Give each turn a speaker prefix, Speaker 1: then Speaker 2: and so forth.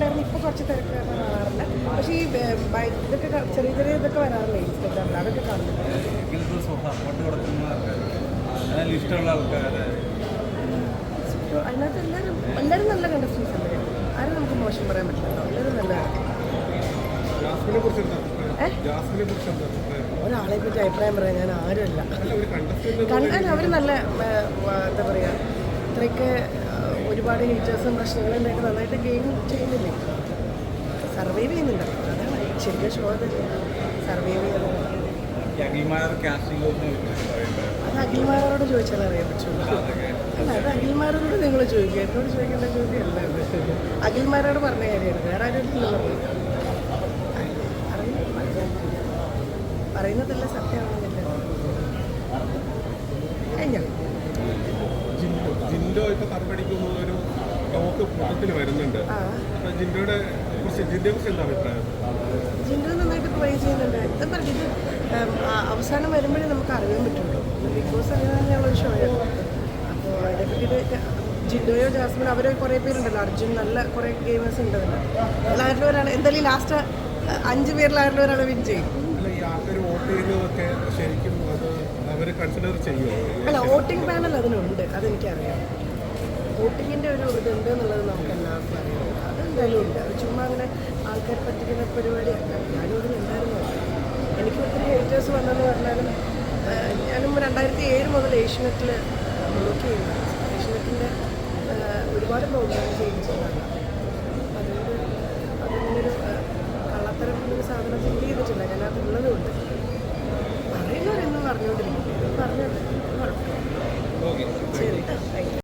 Speaker 1: തിരക്കായിരുന്നു, ഇപ്പോൾ കുറച്ച് തിരക്കായിരുന്നു കാണാറില്ല. പക്ഷേ ഈ ഇതൊക്കെ ചെറിയ ചെറിയ ഇതൊക്കെ വരാറില്ലേ ഇൻസ്റ്റഗ്രാമിൽ, അതൊക്കെ കാണുന്നുണ്ട്. അതിനകത്ത് എല്ലാവരും നല്ല കണ്ടസ്റ്റൻസ് അല്ലേ, ആരും നമുക്ക് മോശം പറയാൻ പറ്റില്ലല്ലോ, എല്ലാവരും നല്ല. ഒരാളെ പറ്റി അഭിപ്രായം പറയാൻ ഞാൻ ആരുമല്ല. കണ്ടാൽ അവർ നല്ല എന്താ പറയുക, ഇത്രയൊക്കെ ഒരുപാട് ഹീറ്റേഴ്സും പ്രശ്നങ്ങളും ഉണ്ടായിട്ട് നന്നായിട്ട് ഗെയിം ചെയ്യുന്നില്ലേ, സർവൈവ് ചെയ്യുന്നുണ്ട്. അതാണ് ശരിക്കും ഷോ തന്നെ സർവൈവ് ചെയ്യുന്നത്. അത് അഖിൽമാരോട് ചോദിച്ചാൽ അറിയാൻ പറ്റുള്ളൂ. അല്ല, അത് അഖിൽമാരോട് നിങ്ങൾ ചോദിക്കുക, എന്നോട് ചോദിക്കേണ്ട ചോദ്യമല്ല. അഖിൽമാരോട് പറഞ്ഞ കാര്യമാണ്, വേറെ ആരും പറയുന്നതല്ല സത്യമാണെന്നില്ല. കഴിഞ്ഞോ
Speaker 2: ജിൻഡോ ഇപ്പൊ തറപ്പടിക്കുന്നൊരു ടോക്ക് മൊത്തത്തിൽ വരുന്നുണ്ട്. ജിൻഡോയെ കുറിച്ച് എന്താ അഭിപ്രായം?
Speaker 1: ജിൻഡോ നന്നായിട്ട് ട്രൈ ചെയ്യുന്നുണ്ട്. എന്താ പറയുക, ഇത് അവസാനം വരുമ്പോഴേ നമുക്ക് അറിയാൻ പറ്റുള്ളൂ. ബിഗ് ബോസ് അങ്ങനെ തന്നെയുള്ളൊരു ഷോയാണ്. അപ്പോൾ അതിനെപ്പറ്റിയിട്ട് ജിൻഡോയോ ജാസ്മിനോ അവരോ കുറേ പേരുണ്ടല്ലോ, അർജുൻ, നല്ല കുറേ ഗെയിമേഴ്സ് ഉണ്ട്. എല്ലാവരിലും ഒരാൾ എന്തായാലും ലാസ്റ്റ് 5 പേരിലായാലും ഒരാൾ വിൻ ചെയ്യും. അല്ല, വോട്ടിംഗ് പാനൽ അതിനുണ്ട്, അതെനിക്കറിയാം. വോട്ടിങ്ങിൻ്റെ ഒരു ഇതുണ്ട് എന്നുള്ളത് നമുക്ക് എല്ലാവർക്കും അറിയാം. അതെന്തായാലും ഉണ്ട്. അത് ചുമ്മാ അങ്ങനെ ആൾക്കാരെ പറ്റിക്കുന്ന പരിപാടിയല്ല. ഞാനും ഇതിൽ ഉണ്ടായിരുന്നു. എനിക്ക് ഒത്തിരി ഹേറ്റേഴ്സ് വന്നെന്ന് പറഞ്ഞാലും ഞാനും 2007 മുതൽ ഏഷ്യനെറ്റിൽ വർക്ക് ചെയ്യുന്നു. ഏഷ്യനെറ്റിൻ്റെ ഒരുപാട് പ്രോഗ്രാം ചെയ്യുന്നതാണ്. അതുകൊണ്ട് അതിനൊരു കള്ളത്തരം എന്നൊരു സാധനം ഫീൽ ചെയ്തിട്ടില്ല. ഞാനത് ഉള്ളതുകൊണ്ട് പറയുന്നവരെന്നും പറഞ്ഞുകൊണ്ടിരിക്കും. പറഞ്ഞത് കുഴപ്പമില്ല.